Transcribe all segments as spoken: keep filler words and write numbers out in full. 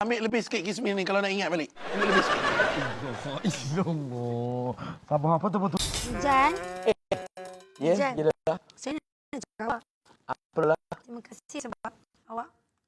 Ambil lebih sikit kismis ni kalau nak ingat balik. Ambil lebih sikit. Ilmu. Sabar apa tu betul? Jan, Ya, Jan. ya dah. saya nak cakap awak. Apalah. Terima kasih sebab awak.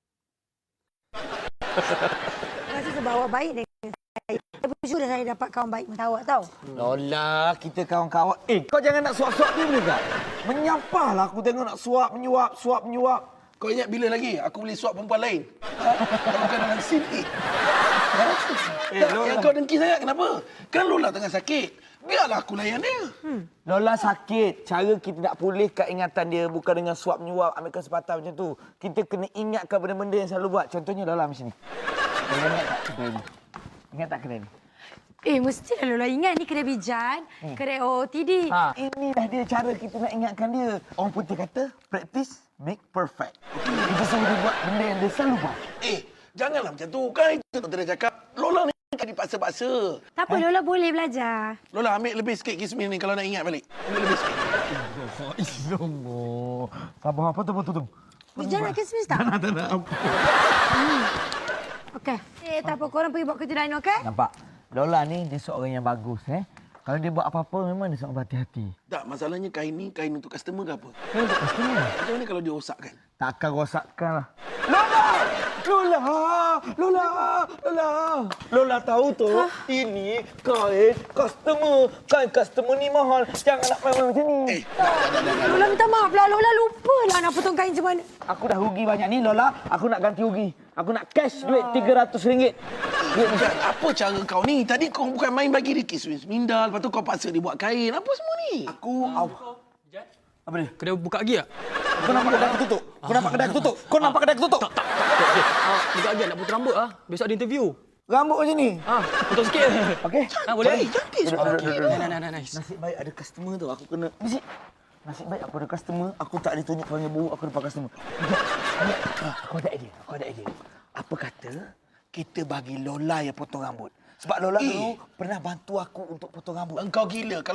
Terima kasih sebab awak baik dengan saya. Saya bersyukur saya dapat kawan baik macam awak tahu. Lola, kita kawan-kawan. Eh, kau jangan nak suap-suap dia boleh tak? Menyampahlah aku tengok nak suap, menyuap, suap, menyuap. Kau ingat bila lagi aku boleh suap perempuan lain? Ha? Kalau bukan dalam sini. Ha? Eh, Tak, Lola. yang kau dengki sangat kenapa? Kan Lola tengah sakit. Biarlah aku layan dia. Hmm. Lola sakit. Cara kita nak pulihkan ingatan dia bukan dengan suap menyuap, ambil kesempatan macam tu. Kita kena ingatkan benda-benda yang selalu buat. Contohnya Lola macam ni. Lola ingat tak kedai ni? Ingat tak kedai ni? Eh, mestilah Lola ingat ni kedai Bijan, hmm. kedai O O T D. Ha, inilah dia cara kita nak ingatkan dia. Orang putih kata, practice make perfect. Kita selalu buat benda yang dia selalu buat. Eh, janganlah macam tu. Kan itu doktor dah cakap. Lola ni kan dipaksa-paksa. Tak apa, Lola boleh belajar. Lola ambil lebih sikit kismis ni kalau nak ingat balik. Ambil lebih sikit. Ilmu. Sabar apa tu betul tu? Bijan nak kismis tak? Tak nak apa. Hmm. Okey. Eh, tak apa. Korang pergi buat kerja lain, okey? Nampak? Lola ni dia seorang yang bagus eh. Kalau dia buat apa-apa memang dia seorang berhati-hati. Tak, masalahnya kain ni kain untuk customer ke apa? Dia untuk customer. Macam mana kalau dia rosakkan? Takkan rosakkan lah. Lola! Lola! Lola! Lola! Lola tahu tu, ini kain customer. Kain customer ni mahal. Jangan nak main-main macam ni. Eh, dah, dah, dah, dah, dah. Lola minta maaf lah. Lola lupa lah nak potong kain macam mana. Aku dah rugi banyak ni, Lola. Aku nak ganti rugi. Aku nak cash duit tiga ratus ringgit. Duit bukan. Apa cara kau ni? Tadi kau bukan main bagi dia kismis mindal. Lepas tu kau paksa dia buat kain. Apa semua ni? Aku... Aw. Apa dia? Kedai buka lagi tak? Kau nampak kedai aku tutup? Kau nampak kedai aku tutup? Kau nampak kedai aku tutup? Tak, tak, tak. Okay. Ah, buka lagi nak potong rambut ah. Besok ada interview. Rambut macam ni? Ah, potong sikit. Okey. Ah, boleh? Cantik Duduk, semua. duduk, duduk, duduk. Nah, nah, nah, nice. Nasib baik ada customer tu. Aku kena... Bisik. Nasib baik aku ada customer. Aku tak ditunjuk panggil bau. Aku dapat customer. Aku ada idea. Aku ada idea. Apa kata kita bagi Lola yang potong rambut? Sebab Lola Eh. dulu pernah bantu aku untuk potong rambut. Engkau gila. Kalau